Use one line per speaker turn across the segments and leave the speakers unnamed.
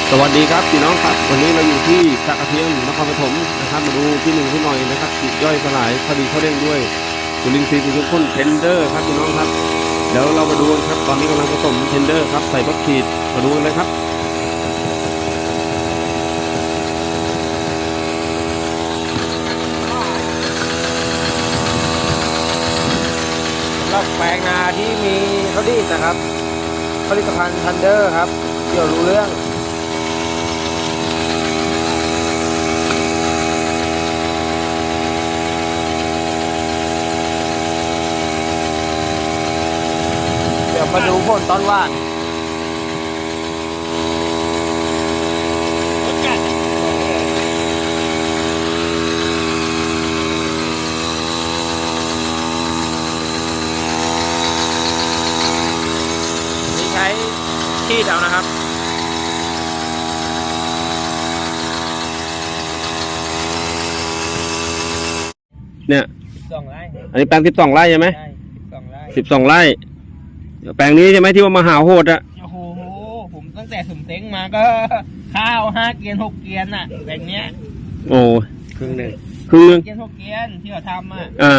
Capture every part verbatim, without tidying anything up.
สวัสดีครับพี่น้องครับวันนี้เราอยู่ที่สระกระเทียมนครปฐมนะครับมาดูพี่หนึ่งพี่หน่อยนะครับฉีดย่อยสลายพอดีเขาเร่งด้วยจุลินทรีย์ทุกคนเทนเดอร์ครับพี่น้องครับเดี๋ยวเรามาดูกันครับตอนนี้กำลังผสมเทนเดอร์ครับใส่รถฉีดมาดูกันเลยครับ
สำหรับแปลงนาที่มีเขาดีนะครับผลิตภัณฑ์ทันเดอร์ครับเกี่ยวรู้เรื่องเดี๋ยวมาดูผลต้นว่านใช้ที่เดานะครับ
เนี่ย
สิบสองไร่
อันนี้แปลงสิบสองไร่ใช่ไหม
ใช่สิบสองไร่
สิบสองไร่เดี๋ยวแปลงนี้ใช่ไหมที่ว่ามหาโหดอะ
โอ้โหผมตั้งแต่สมเต็งมาก็ข้าวห้าเกียนหกเกียนอ่ะแบ่งเนี้ย
โอ้
ครึ่งหนึ่ง
ครึ่งหนึ่ง
เกียนหกเกียนที่เขาทำอ่ะ
อ่า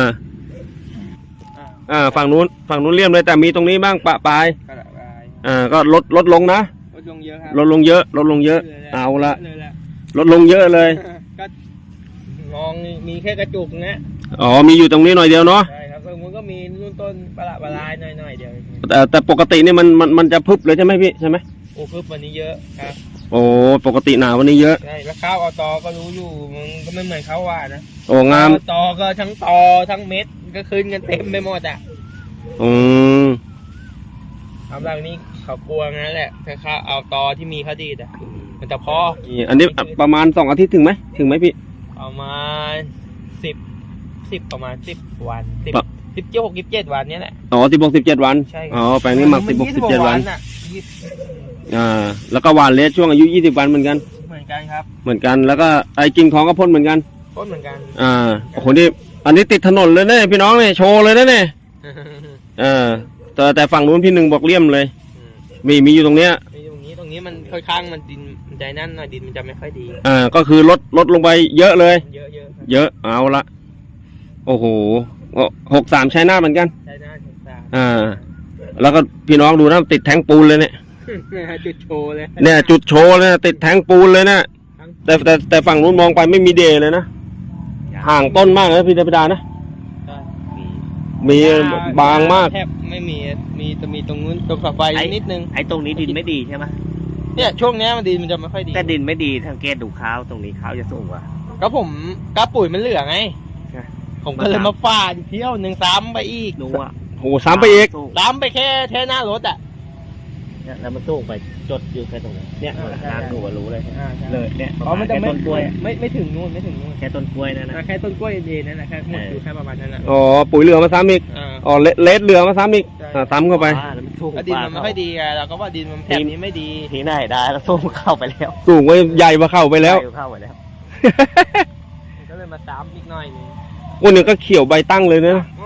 อ่าฝั่งนู้นฝั่งนู้นเลี่ยมเลยแต่มีตรงนี้บ้างปะปลายอ่าก็ลดลดลงนะ
ลดลงเยอะครับ
ลดลงเยอะลดลงเยอะเอาละลดลงเยอะเลย
ก็มองมีแค่กระจุกนะ
อ๋อมีอยู่ตรงนี้หน่อยเดียวเนาะ
ใช่ครับมันก็มีรุ่นต้นปลาปลายหน่อยๆเดียว
แต่แต่ปกตินี่มันมันมันจะพึบเลยใช่ไหมพี่ใช่ไหม
โอ้พึบวันนี้เยอะครับ
โอ้ปกติหนาวันนี้เยอะ
ใช่แล้วข้าวอตอก็รู้อยู่มันก็ไม่เหมือนข้าวหวานนะ
โอ้งาม
ตอก็ทั้งตอทั้งเม็ดก็ขึ้นกันเต็มไปหมดอ่ะ
อืม
ทำแบบนี้เขากลัวงั้นแหละถ้าข้าวเอาตอที่มีข้าวดีอ่ะมันจะพอ
อันนี้ประมาณสองอาทิตย์ถึงไหมถึงไหมพี่
ประมาณสิบสิบประมาณสิบวันสิบสิบเจ็ดหกสิบเจ็ดวันนี้แหละ
อ๋อสิบหกสิบเจ็ดวัน
ใช่
อ๋อแปลงนี้หมักสิบหกสิบเจ็ดวันอ่าแล้วก็หวานเลสช่วงอายุยี่สิบวันเหมือนกัน
เหมือนกันครับ
เหมือนกันแล้วก็ไอ้กิ่งทองก็พ่นเหมือนกัน
พ่นเหมือนกัน
อ่าโอ้โหนี่อันนี้ติดถนนเลยเนี่ยพี่น้องเนี่ยโชว์เลยนะเนี่ยอ่าแต่แต่ฝั่งนู้นพี่หนึ่งบอกเลี่ยมเลยมีมีอยู่ตรงเนี้ย
มีตรงนี้ตรงนี้มันค่อยข้างมันดินใจนั่นหน่อยดินมันจะไม่ค่อยดี
อ่าก็คือลดลดลงไปเยอะเลย
เยอะเยอะ
เยอะเอาละโอ้โหหกสามใช้หน้าเหมือนกัน
ใช้หน้าหกสาม
อ่าแล้วก็พี่น้องดูนะติดแทงปูนเลยเนี่ย
จุดโชว์เลย
เนี่ยจุดโชว์เลยติดแทงปูนเลยนะแต่แต่แต่ฝั่งนู้นมองไปไม่มีเดย์เลยนะห่างต้นมากนะพี่ธรรมดานะมีบางมาก
แทบไม่มีมีจะมีตรงนู้นตรงฝักไฟนิดนึง
ไอ้ตรงนี้ดินไม่ดีใช่ไหม
เนี่ยช่วงนี้มันดินมันจะไม่ค่อยดี
แต่ดินไม่ดีสังเกตดูข้าวตรงนี้ข้าวจะสูงกว่า
ก็ผมกระปุ๋ยมันเหลือไงผมก็เลยมาฟาดเที่ยวหนึ่งซ้ำไปอีก
รู้ว่า
โอ้ซ้ำไปอีก
ซ้ำไปแค่แค่หน้ารถอ่ะ
แล้วมันสูงไปจดอยู่แค่ตรงนี้เนี่ยน้ำดูว่ารู้เลยเลยเนี่ย
อ๋อมันจะไม่ต้นกล้วยไม่ไม่ถึงนู่นไม่ถึงนู่น
แค่ต้นกล้วยนั่นนะ
แค่ต้นกล้วยเองนั่นแหละแค่หมดอยู่แค่ประมาณนั้นนะ
อ๋อปุ๋ยเหลือมาซ้ำอีกอ๋อเลสเหลือมาซ้ำอีกซ้ำเข้าไป
ดินมันไม่ค่อยดีไงเราก็ว่าดินมันแถบนี้ไม่ดี
ทีไหนได้แล้วสูงเข้าไปแล้ว
สูงไว้ใหญ่มาเข้าไปแล้ว
เข้าไปแล้ว
ก็เลยมาซ้ำอีกหน่อยนึง
วันนี้ก็เขียวใบตั้งเลยนะ